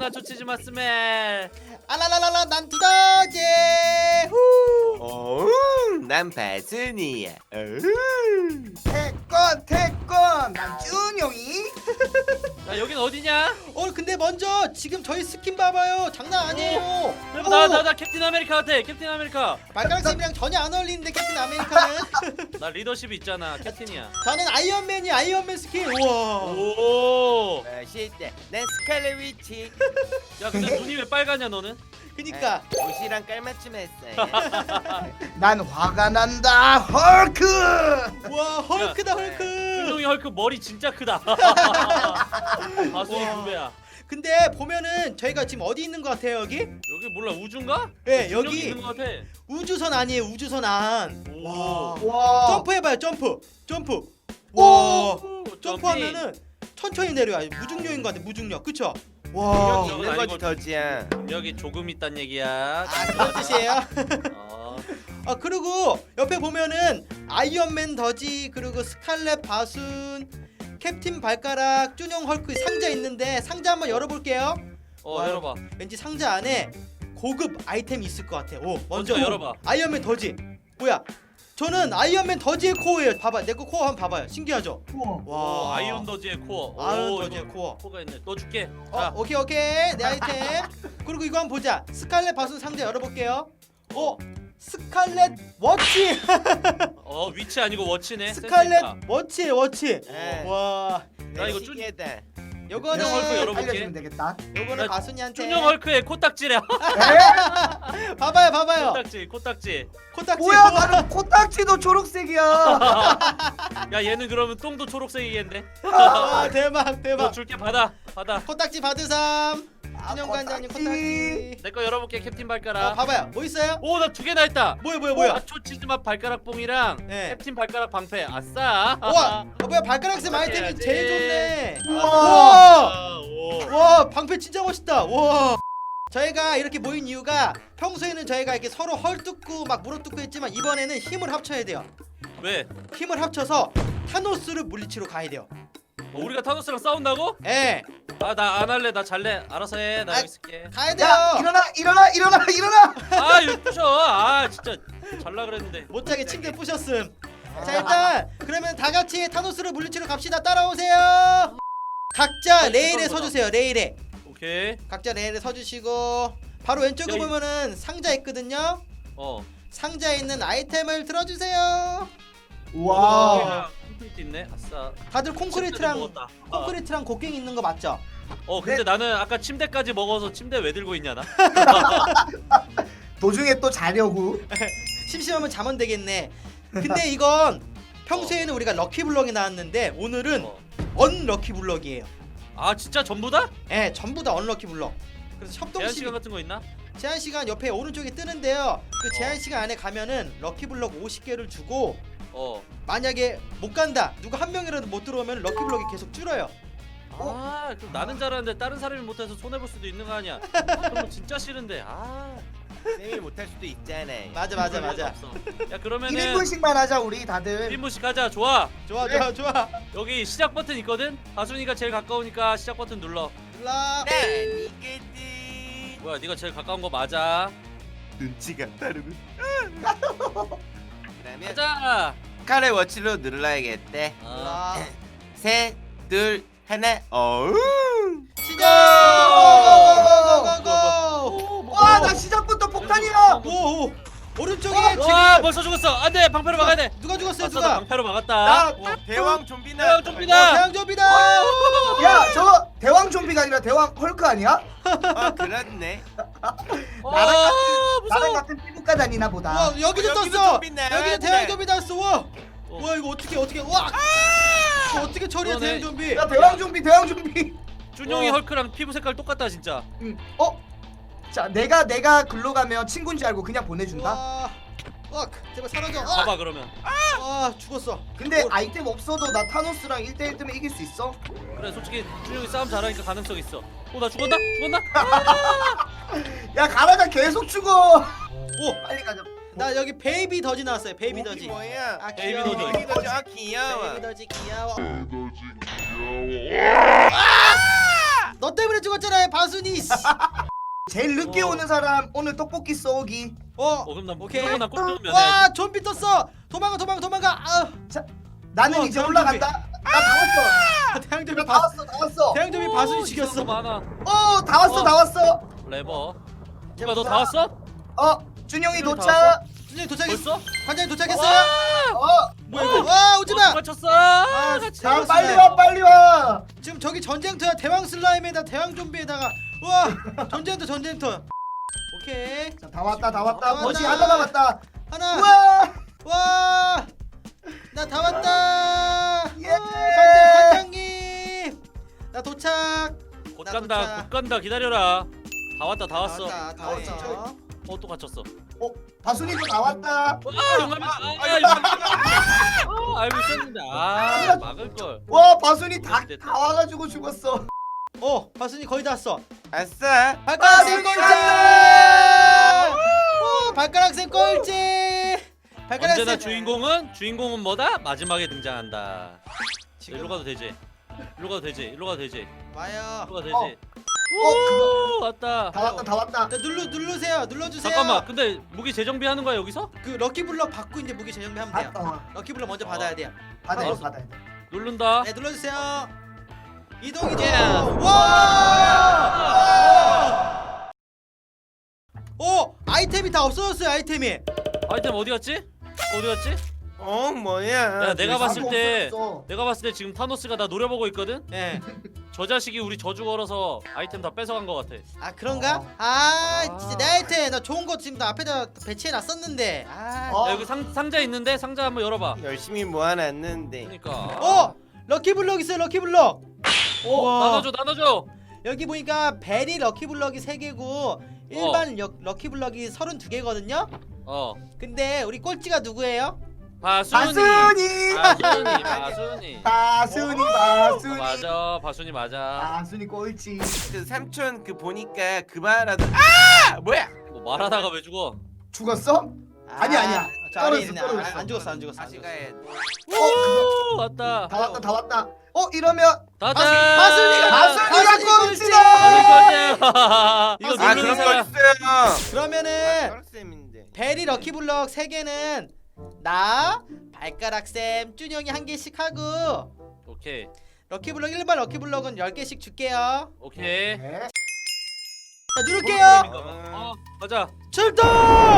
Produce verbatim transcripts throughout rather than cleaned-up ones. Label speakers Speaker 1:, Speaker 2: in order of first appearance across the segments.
Speaker 1: 나초 치즈마 스멜.
Speaker 2: 알라라라라 난 두더지. 후.
Speaker 3: 어, 난 바순이야. 어.
Speaker 4: 태권 태권 난 준용이.
Speaker 1: 야 여긴 어디냐?
Speaker 2: 어 근데 먼저 지금 저희 스킨 봐봐요. 장난 아니에요.
Speaker 1: 나나 나 캡틴 아메리카 같아. 캡틴 아메리카.
Speaker 2: 발가락 쌤이랑 전혀 안 어울리는데 캡틴 아메리카는.
Speaker 1: 나 리더십이 있잖아. 캡틴이야.
Speaker 2: 저는 아이언맨이 아이언맨 스킨. 우와.
Speaker 1: 오.
Speaker 3: 멋있다. 난 스칼렛 위치.
Speaker 1: 야 근데 눈이 왜 빨가냐 너는?
Speaker 2: 그니까
Speaker 3: 옷이랑 깔맞춤 했어요.
Speaker 4: 난 화가 난다. 헐크.
Speaker 2: 와 헐크다 헐크.
Speaker 1: 준용이 헐크 머리 진짜 크다. 가수의 두 배야.
Speaker 2: 근데 보면은 저희가 지금 어디 있는 것 같아요 여기?
Speaker 1: 여기 몰라 우주인가?
Speaker 2: 네,
Speaker 1: 준용이
Speaker 2: 여기.
Speaker 1: 있는 것 같아.
Speaker 2: 우주선 아니에요 우주선 안.
Speaker 1: 와.
Speaker 4: 와.
Speaker 2: 점프해봐요 점프 점프.
Speaker 4: 오.
Speaker 2: 와
Speaker 1: 점핑.
Speaker 2: 점프하면은 천천히 내려요. 무중력인 것 같아 무중력 그쵸? 와.
Speaker 1: 어.
Speaker 3: 있는 거지 더지야.
Speaker 1: 여기 조금 있단 얘기야.
Speaker 2: 아 그런 뜻이에요?
Speaker 1: 어.
Speaker 2: 아 그리고 옆에 보면은 아이언맨 더지 그리고 스칼렛 바순 캡틴 발가락 쭈뇽 헐크 상자 있는데 상자 한번 열어볼게요.
Speaker 1: 어
Speaker 2: 와.
Speaker 1: 열어봐.
Speaker 2: 왠지 상자 안에 고급 아이템이 있을 것 같아. 오 먼저
Speaker 1: 먼저 열어봐.
Speaker 2: 아이언맨 더지. 뭐야? 저는 아이언맨 더지의 코어예요. 봐봐 내 거 코어 한번 봐봐요. 신기하죠?
Speaker 4: 우와.
Speaker 2: 와
Speaker 1: 오, 아이언 더지의 코어.
Speaker 2: 아이언
Speaker 1: 오,
Speaker 2: 더지의
Speaker 1: 이거
Speaker 2: 코어.
Speaker 1: 코어가 있네. 너 줄게.
Speaker 2: 어
Speaker 1: 자.
Speaker 2: 오케이 오케이 내 아이템. 그리고 이거 한번 보자. 스칼렛 바순 상자 열어볼게요. 어 스칼렛 워치.
Speaker 1: 어 위치 아니고 워치네.
Speaker 2: 스칼렛
Speaker 1: 센스 있다.
Speaker 2: 워치 워치.
Speaker 3: 네.
Speaker 2: 와
Speaker 1: 나 이거
Speaker 3: 시계다.
Speaker 2: 요거는
Speaker 1: 준용 헐크 열어볼게.
Speaker 4: 알려주면 되겠다.
Speaker 2: 요거는
Speaker 1: 나
Speaker 2: 바순이한테.
Speaker 1: 준용 헐크의 코딱지래.
Speaker 2: 봐봐요 봐봐요.
Speaker 1: 코딱지 코딱지.
Speaker 2: 코딱지.
Speaker 4: 뭐야 나는 코딱지도 초록색이야.
Speaker 1: 야 얘는 그러면 똥도 초록색이겠네.
Speaker 2: 와 대박
Speaker 1: 너
Speaker 2: 대박.
Speaker 1: 줄게 받아 받아.
Speaker 2: 코딱지 받으삼.
Speaker 4: 아,
Speaker 2: 준영 관장님
Speaker 4: 코딱지.
Speaker 2: 코딱지.
Speaker 1: 내 거 열어볼게 캡틴
Speaker 2: 어
Speaker 1: 발가락.
Speaker 2: 봐봐요. 뭐 있어요?
Speaker 1: 오 나 두 개나 했다.
Speaker 2: 뭐야 뭐야 뭐야?
Speaker 1: 나초 치즈맛 발가락 뽕이랑
Speaker 2: 네.
Speaker 1: 캡틴 발가락 방패. 아싸.
Speaker 2: 우와. 어 뭐야 발가락 쌤 아이템이
Speaker 1: 해야지.
Speaker 2: 제일 좋네.
Speaker 4: 우와.
Speaker 2: 우와.
Speaker 1: 아, 오.
Speaker 2: 와 방패 진짜 멋있다. 와. 저희가 이렇게 모인 이유가 평소에는 저희가 이렇게 서로 헐뜯고 막 물어뜯고 했지만 이번에는 힘을 합쳐야 돼요.
Speaker 1: 왜?
Speaker 2: 힘을 합쳐서 타노스를 물리치러 가야 돼요.
Speaker 1: 어, 우리가 타노스랑 싸운다고?
Speaker 2: 예.
Speaker 1: 아 나 안 할래. 나 잘래. 알아서 해. 나
Speaker 2: 아,
Speaker 1: 여기 있을게.
Speaker 2: 가야 돼요.
Speaker 4: 야 일어나 일어나 일어나 일어나.
Speaker 1: 아 이거 부셔. 아 진짜 잘라 그랬는데.
Speaker 2: 못 자게 침대 부셨음. 자 일단 그러면 다 같이 타노스를 물리치러 갑시다. 따라오세요. 각자 레일에 서주세요. 레일에.
Speaker 1: 오케이.
Speaker 2: 각자 레일에 서주시고 바로 왼쪽에
Speaker 1: 야, 이-
Speaker 2: 보면은 상자 있거든요.
Speaker 1: 어.
Speaker 2: 상자에 있는 아이템을 들어주세요.
Speaker 4: 와.
Speaker 1: 콘크리트 있네. 아싸.
Speaker 2: 다들 콩크리트랑
Speaker 1: 침대도 먹었다. 어.
Speaker 2: 콩크리트랑 곡괭이 있는 거 맞죠?
Speaker 1: 어 근데
Speaker 4: 네.
Speaker 1: 나는 아까 침대까지 먹어서 침대 왜 들고 있냐 나?
Speaker 4: 도중에 또 자려고.
Speaker 2: 심심하면 자면 되겠네. 근데 이건 평소에는 우리가 럭키블럭이 나왔는데 오늘은
Speaker 1: 어.
Speaker 2: 언럭키블럭이에요.
Speaker 1: 아 진짜 전부 다?
Speaker 2: 예, 전부 다 언럭키블럭. 그래서
Speaker 1: 제한
Speaker 2: 협동식
Speaker 1: 시간 같은 거 있나?
Speaker 2: 제한 시간 옆에 오른쪽에 뜨는데요. 그 제한 시간 안에 가면은 럭키블럭 오십 개를 주고
Speaker 1: 어.
Speaker 2: 만약에 못 간다 누가 한 명이라도 못 들어오면 럭키블럭이 계속 줄어요.
Speaker 1: 아 그럼 나는 잘하는데 다른 사람이 못해서 손해 볼 수도 있는 거 아니야? 그런 거 진짜 싫은데. 아.
Speaker 3: 쌤이 못할 수도 있잖아요.
Speaker 2: 맞아 맞아 맞아.
Speaker 1: 없어. 야 그러면은
Speaker 4: 일 인분씩만 하자 우리 다들.
Speaker 1: 일 인분씩 하자. 좋아.
Speaker 2: 좋아 좋아 좋아.
Speaker 1: 여기 시작 버튼 있거든. 하순이가 제일 가까우니까 시작 버튼 눌러.
Speaker 2: 일라.
Speaker 3: 난 이거지.
Speaker 1: 뭐야 네가 제일 가까운 거 맞아.
Speaker 3: 눈치가 다르군. 그러면
Speaker 1: 가자.
Speaker 3: 스칼렛 워치로 눌러야겠대.
Speaker 1: 아.
Speaker 2: 일라.
Speaker 3: 셋, 둘, 하나. 어우.
Speaker 2: 시작! 고고고고고!
Speaker 4: 와 나 시작부터 폭탄이야.
Speaker 2: 오, 오. 오른쪽에
Speaker 1: 와
Speaker 2: 지금
Speaker 1: 벌써 죽었어. 안돼 방패로 막아야 돼.
Speaker 2: 누가 죽었어요?
Speaker 1: 아싸, 나
Speaker 2: 누가?
Speaker 1: 방패로 막았다.
Speaker 3: 나 대왕 좀비나.
Speaker 1: 대왕 좀비다.
Speaker 2: 대양 좀비다.
Speaker 4: 야 저 대왕 좀비가 아니라 대왕 헐크 아니야?
Speaker 3: 아 그렇네.
Speaker 1: 어,
Speaker 4: 나랑
Speaker 1: 무서워.
Speaker 4: 같은 피부과 다니나 보다.
Speaker 2: 와, 여기도
Speaker 3: 어, 여기도
Speaker 2: 떴어.
Speaker 3: 좀비 나왔네.
Speaker 2: 여기도 대양 좀비 떴어. 와.
Speaker 1: 어.
Speaker 2: 와, 이거 어떻게 어떻게 와. 이거 어떻게 처리해
Speaker 1: 그러네.
Speaker 2: 대양 좀비?
Speaker 4: 야 대왕 좀비 대왕 좀비.
Speaker 1: 준용이
Speaker 2: 어.
Speaker 1: 헐크랑 피부 색깔 똑같다 진짜.
Speaker 4: 응. 어? 자 내가 내가 글로 가면 친구인 줄 알고 그냥 보내준다.
Speaker 2: 와. 와, 제발 사라져. 아,
Speaker 1: 봐봐 그러면.
Speaker 2: 와, 죽었어.
Speaker 4: 근데
Speaker 2: 어.
Speaker 4: 아이템 없어도 나 타노스랑 일 대 일 뜨면 이길 수 있어?
Speaker 1: 그래 솔직히 준용이 싸움 잘하니까 가능성 있어. 어 나 죽었나? 죽었나?
Speaker 4: 야 가라가 계속 죽어.
Speaker 2: 오,
Speaker 4: 빨리 가자.
Speaker 2: 나 여기 베이비 더지 나왔어요. 베이비
Speaker 3: 목이
Speaker 2: 더지.
Speaker 3: 뭐야?
Speaker 2: 아,
Speaker 1: 베이비
Speaker 2: 귀여워.
Speaker 1: 더지.
Speaker 3: 베이비 더지. 아 귀여워.
Speaker 2: 베이비 더지 귀여워. 너 때문에 죽었잖아 바순이.
Speaker 4: 제일 늦게
Speaker 1: 어.
Speaker 4: 오는 사람 오늘 떡볶이 쏘기.
Speaker 2: 어.
Speaker 1: 어 그럼 난
Speaker 2: 오케이.
Speaker 1: 무조건 나꼭 들으면
Speaker 2: 와 좀비 떴어. 도망가 도망가 도망가. 아.
Speaker 4: 나는
Speaker 2: 우와,
Speaker 4: 이제
Speaker 2: 대형
Speaker 4: 올라간다. 나 다 왔어.
Speaker 2: 대형 좀비
Speaker 4: 나 다
Speaker 2: 바
Speaker 4: 왔어. 다 왔어.
Speaker 2: 대형 좀비 바순이 죽였어.
Speaker 1: 많아.
Speaker 4: 어, 다 왔어.
Speaker 1: 어.
Speaker 4: 다 왔어.
Speaker 1: 레버. 누가 너 다 왔어?
Speaker 4: 어, 준영이
Speaker 1: 준영이 다
Speaker 4: 도착.
Speaker 2: 준영이 도착했어.
Speaker 1: 벌써?
Speaker 2: 관장님 도착했어요?
Speaker 4: 어,
Speaker 2: 뭐야 이거? 와 오지마.
Speaker 1: 맞췄어. 아,
Speaker 2: 같이
Speaker 4: 자,
Speaker 2: 나왔어.
Speaker 4: 빨리 와, 빨리 와.
Speaker 2: 지금 저기 전쟁터야. 대왕 슬라임에다 대왕 좀비에다가. 우와 전쟁터 전쟁터. 오케이
Speaker 4: 자, 다 왔다. 다
Speaker 2: 다
Speaker 4: 왔다.
Speaker 2: 왔다.
Speaker 4: 버시 하나 남았다.
Speaker 2: 하나.
Speaker 4: 우와!
Speaker 2: 와. 나 다 왔다.
Speaker 4: 예.
Speaker 2: 어, 관장 관장님. 나 도착.
Speaker 1: 곧
Speaker 2: 나
Speaker 1: 간다.
Speaker 2: 도착.
Speaker 1: 곧 간다. 기다려라. 다 왔다. 다 왔어.
Speaker 2: 다 왔다. 다
Speaker 4: 어,
Speaker 2: 왔어.
Speaker 1: 어 또 갇혔어.
Speaker 4: 어, 바순이도 다 왔다.
Speaker 1: 아 용감이. 아 용감이. 아 알고 있었는데. 아 막을 걸.
Speaker 4: 와, 바순이 다,
Speaker 1: 됐다.
Speaker 4: 다 와가지고 죽었어.
Speaker 2: 어 바순이 거의 다 왔어.
Speaker 3: 아싸.
Speaker 2: 발가락 쌤
Speaker 4: 바순이
Speaker 2: 꼴찌.
Speaker 4: 간다!
Speaker 2: 오, 발가락 쌤 꼴찌. 발가락
Speaker 1: 언제나
Speaker 2: 쌤.
Speaker 1: 주인공은 주인공은 뭐다? 마지막에 등장한다.
Speaker 2: 지금
Speaker 1: 일로 가도 되지. 일로 가도 되지. 일로 가도 되지.
Speaker 2: 와요.
Speaker 1: 일로 가도
Speaker 4: 어.
Speaker 1: 되지.
Speaker 4: 어, 그거.
Speaker 1: 오 왔다.
Speaker 4: 다 왔다. 다 왔다.
Speaker 2: 자, 눌러 눌러주세요. 눌러주세요.
Speaker 1: 잠깐만. 근데 무기 재정비하는 거야 여기서?
Speaker 2: 그 럭키 블럭 받고 이제 무기 재정비하면 돼요.
Speaker 4: 받다.
Speaker 2: 럭키 블럭 먼저
Speaker 1: 어.
Speaker 2: 받아야 돼요.
Speaker 4: 받아야 돼.
Speaker 1: 알았어.
Speaker 4: 받아야 돼.
Speaker 1: 누른다.
Speaker 2: 네 눌러주세요. 이동이죠.
Speaker 1: 예.
Speaker 2: 와! 오 아이템이 다 없어졌어요. 아이템이.
Speaker 1: 아이템 어디 갔지? 어디 갔지?
Speaker 3: 어 뭐야?
Speaker 1: 야 내가 봤을
Speaker 4: 아무도
Speaker 1: 때
Speaker 4: 없어졌어.
Speaker 1: 내가 봤을 때 지금 타노스가 나 노려보고 있거든.
Speaker 2: 예.
Speaker 1: 저 자식이 우리 저주 걸어서 아이템 다 뺏어간 것 같아.
Speaker 2: 아 그런가?
Speaker 4: 어.
Speaker 2: 아,
Speaker 1: 아.
Speaker 2: 진짜 내 아이템 나 좋은 거 지금 나 앞에다 배치해 놨었는데. 아.
Speaker 4: 어.
Speaker 1: 야, 여기 상 상자 있는데 상자 한번 열어봐.
Speaker 3: 열심히 모아놨는데.
Speaker 1: 그러니까.
Speaker 2: 어 럭키 블럭 있어요. 럭키 블럭.
Speaker 1: 어,
Speaker 2: 우와.
Speaker 1: 나눠줘 나눠줘.
Speaker 2: 여기 보니까 베리 럭키 블럭이 세 개고 일반 럭, 럭키 블럭이 서른두 개거든요.
Speaker 1: 어.
Speaker 2: 근데 우리 꼴찌가 누구예요?
Speaker 1: 바순이.
Speaker 4: 바순이.
Speaker 1: 바순이. 바순이.
Speaker 4: 바순이. 바순이.
Speaker 1: 맞아. 바순이 맞아.
Speaker 4: 바순이 꼴찌.
Speaker 3: 그 삼촌 그 보니까 그 말하던 아 뭐야?
Speaker 1: 뭐 말하다가 왜 죽어?
Speaker 4: 죽었어? 아니야, 아니야.
Speaker 2: 저 안에
Speaker 4: 떨어졌어,
Speaker 2: 있네.
Speaker 4: 떨어졌어.
Speaker 2: 안, 안 죽었어 안 죽었어. 안
Speaker 3: 다시
Speaker 2: 죽었어.
Speaker 3: 가야 돼.
Speaker 1: 오 왔다.
Speaker 4: 다 왔다. 다 왔다. 어, 이러면
Speaker 1: 다다.
Speaker 2: 바순이가
Speaker 4: 바순이가
Speaker 2: 바순이
Speaker 4: 꼴찌!
Speaker 1: 이거
Speaker 2: 아,
Speaker 3: 아
Speaker 1: 누르는
Speaker 3: 그런 거
Speaker 1: 사람.
Speaker 3: 있어요.
Speaker 2: 그러면은
Speaker 3: 쌤인데.
Speaker 2: 베리 럭키 블럭 세 개는 나 발가락 쌤 준영이 한 개씩 하고
Speaker 1: 오케이.
Speaker 2: 럭키 블럭 일반 럭키 블럭은 열 개씩 줄게요.
Speaker 1: 오케이.
Speaker 4: 네.
Speaker 2: 자 누를게요.
Speaker 1: 어 가자.
Speaker 2: 출동!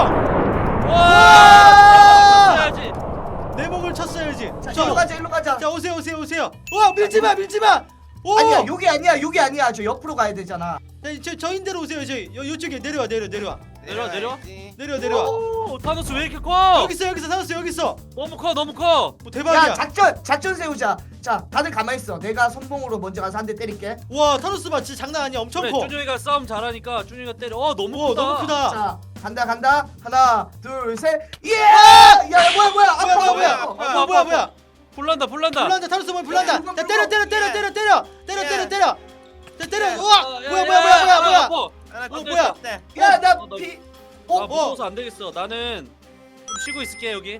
Speaker 1: 와! 해야지.
Speaker 2: 내 목을 쳤어야지.
Speaker 4: 자,
Speaker 2: 자,
Speaker 4: 일로 가자. 일로 가자.
Speaker 2: 자 오세요 오세요 오세요. 와 밀지 마 밀지 마. 오!
Speaker 4: 아니야, 여기 아니야. 여기 아니야. 저 옆으로 가야 되잖아.
Speaker 2: 자, 저 저인대로 오세요. 저 요, 요쪽에 내려와 내려 내려와
Speaker 1: 내려와, 내려와.
Speaker 3: 내려와야지.
Speaker 2: 내려 내려와.
Speaker 1: 오, 타노스 왜 이렇게 커?
Speaker 2: 여기 있어 여기 있어 살았어 여기 있어.
Speaker 1: 너무 커, 너무 커.
Speaker 2: 뭐 대박이야.
Speaker 4: 야, 작전 작전 세우자. 자, 다들 가만히 있어. 내가 선봉으로 먼저 가서 한 대 때릴게.
Speaker 2: 와 타노스 봐 진짜 장난 아니야 엄청
Speaker 1: 그래,
Speaker 2: 커.
Speaker 1: 준영이가 싸움 잘하니까 준영이가 때려. 어, 너무
Speaker 2: 와
Speaker 1: 크다.
Speaker 2: 너무 크다.
Speaker 4: 자, 간다 간다. 하나, 둘, 셋. 예! 야, 뭐야 뭐야. 아파,
Speaker 2: 뭐야 뭐야 뭐야
Speaker 4: 아파.
Speaker 2: 뭐야 뭐야 뭐야.
Speaker 1: 불난다, 불난다.
Speaker 2: 불난다 타노스 뭐 불난다.
Speaker 4: 야,
Speaker 2: 자 때려 때려 때려 때려 때려 때려
Speaker 3: 야.
Speaker 2: 때려 때려. 자 때려.
Speaker 3: 야.
Speaker 2: 우와
Speaker 1: 어, 야,
Speaker 2: 뭐야
Speaker 1: 야,
Speaker 2: 뭐야
Speaker 1: 야,
Speaker 2: 뭐야
Speaker 1: 야,
Speaker 2: 뭐야
Speaker 1: 야,
Speaker 2: 뭐야.
Speaker 1: 아파.
Speaker 3: 하나
Speaker 2: 어,
Speaker 3: 더
Speaker 2: 뭐야?
Speaker 3: 떴다.
Speaker 4: 야, 나
Speaker 1: 어, 나
Speaker 4: 피.
Speaker 1: 나
Speaker 4: 어,
Speaker 1: 무서워서 안 되겠어. 나는 좀 쉬고 있을게 여기.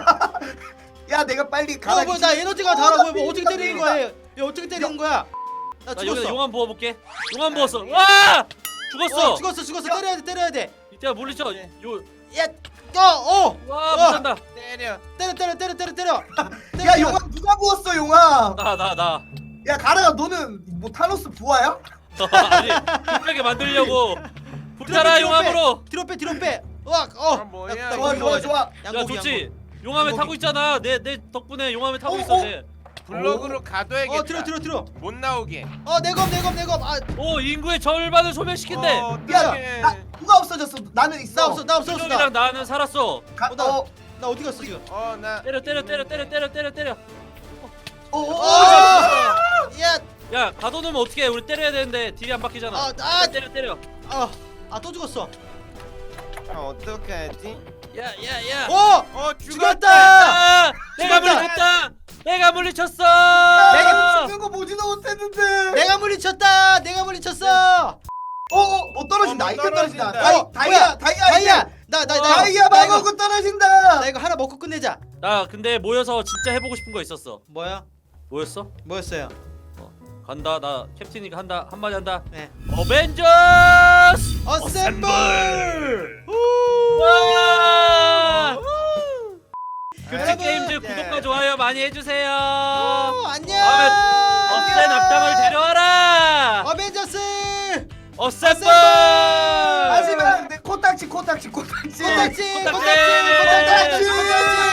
Speaker 4: 야, 내가 빨리 가라.
Speaker 2: 어, 뭐나 에너지가 달아. 뭐 어떻게 때리는 거야? 얘 어떻게 때리는 거야? 나
Speaker 1: 나 여기다
Speaker 2: 죽었어.
Speaker 1: 용암 부어볼게. 용암 부었어. 와! 죽었어.
Speaker 2: 어, 죽었어 죽었어 때려야 돼 때려야 돼.
Speaker 1: 이때가 물리쳐. 요.
Speaker 2: 야, 어, 어,
Speaker 1: 와,
Speaker 2: 어.
Speaker 1: 못한다.
Speaker 3: 때려.
Speaker 2: 때려 때려 때려 때려 때려.
Speaker 4: 야, 용암 누가 부었어, 용암?
Speaker 1: 나, 나, 나.
Speaker 4: 야, 가라야, 너는 뭐 타노스 부하야?
Speaker 1: 아니, 급하게 만들려고. 불타라 용암으로.
Speaker 2: 뒤로 빼 뒤로 빼. 와, 어.
Speaker 3: 아, 뭐야,
Speaker 2: 나- 나
Speaker 3: 이거.
Speaker 4: 좋아, 좋아, 좋아.
Speaker 1: 야,
Speaker 2: 양고기,
Speaker 1: 좋지. 용암에
Speaker 2: 양고기.
Speaker 1: 타고 있잖아. 내, 내 덕분에 용암에 타고
Speaker 4: 어,
Speaker 1: 있어.
Speaker 4: 어?
Speaker 1: 쟤.
Speaker 3: 블럭으로
Speaker 2: 양고기.
Speaker 3: 가둬야겠다.
Speaker 2: 어, 뒤로 뒤로 뒤로.
Speaker 3: 못 나오게.
Speaker 2: 어, 내검 내검 내검. 아,
Speaker 1: 오, 인구의 절반을 소멸시킨대.
Speaker 3: 어,
Speaker 4: 야,
Speaker 3: 어떡해.
Speaker 4: 나 누가 없어졌어? 나는 있어.
Speaker 2: 나 없어 나 없어 없어. 나,
Speaker 1: 준영이랑 나는 살았어.
Speaker 4: 가,
Speaker 2: 어, 나-
Speaker 4: 어,
Speaker 2: 나 어디 갔어 지금?
Speaker 3: 어, 나
Speaker 1: 때려, 때려, 때려, 때려, 때려, 때려, 때려.
Speaker 4: 어, 어,
Speaker 2: 어,
Speaker 4: 어.
Speaker 2: 야,
Speaker 1: 야, 가둬놓으면 어떡해. 우리 때려야 되는데 딜이 안 박히잖아.
Speaker 2: 아, 아,
Speaker 1: 때려, 때려.
Speaker 2: 아, 아 또 죽었어.
Speaker 3: 아, 어떡하지?
Speaker 1: 야, 야, 야.
Speaker 2: 어,
Speaker 3: 어, 죽었다.
Speaker 2: 죽었다.
Speaker 1: 아, 내가
Speaker 2: 죽었다.
Speaker 1: 물리쳤다. 내가 물리쳤어.
Speaker 4: 내가 죽는 거 보지도 못했는데.
Speaker 2: 내가 물리쳤다. 내가 물리쳤어.
Speaker 4: 어, 어, 어 떨어진다.
Speaker 3: 어,
Speaker 4: 아이템 떨어진다.
Speaker 3: 떨어진다.
Speaker 4: 다이,
Speaker 2: 어,
Speaker 4: 다이아,
Speaker 2: 뭐야?
Speaker 4: 다이아,
Speaker 2: 다이아,
Speaker 4: 아이템.
Speaker 2: 나 나 나
Speaker 4: 다이아
Speaker 2: 나 이거
Speaker 4: 마법은 떨어진다.
Speaker 2: 나 이거 하나 먹고 끝내자.
Speaker 1: 나 근데 모여서 진짜 해보고 싶은 거 있었어.
Speaker 2: 뭐야?
Speaker 1: 뭐였어?
Speaker 2: 뭐였어요?
Speaker 1: 간다. 나 캡틴이니까 한다. 한마디 한다.
Speaker 2: 네.
Speaker 1: 어벤져스!
Speaker 2: 어셈블!
Speaker 1: 와! 급식
Speaker 2: 여러분,
Speaker 1: 게임즈
Speaker 3: 예.
Speaker 1: 구독과 좋아요 많이 해주세요.
Speaker 2: 오, 안녕.
Speaker 1: 다음에 어센 악당을 데려와라.
Speaker 2: 어벤져스!
Speaker 1: 어셈블!
Speaker 4: 하지만 내 코딱지 코딱지 코딱지
Speaker 2: 코딱지! 코딱지!
Speaker 1: 코딱지!
Speaker 2: 코딱지! 코딱지!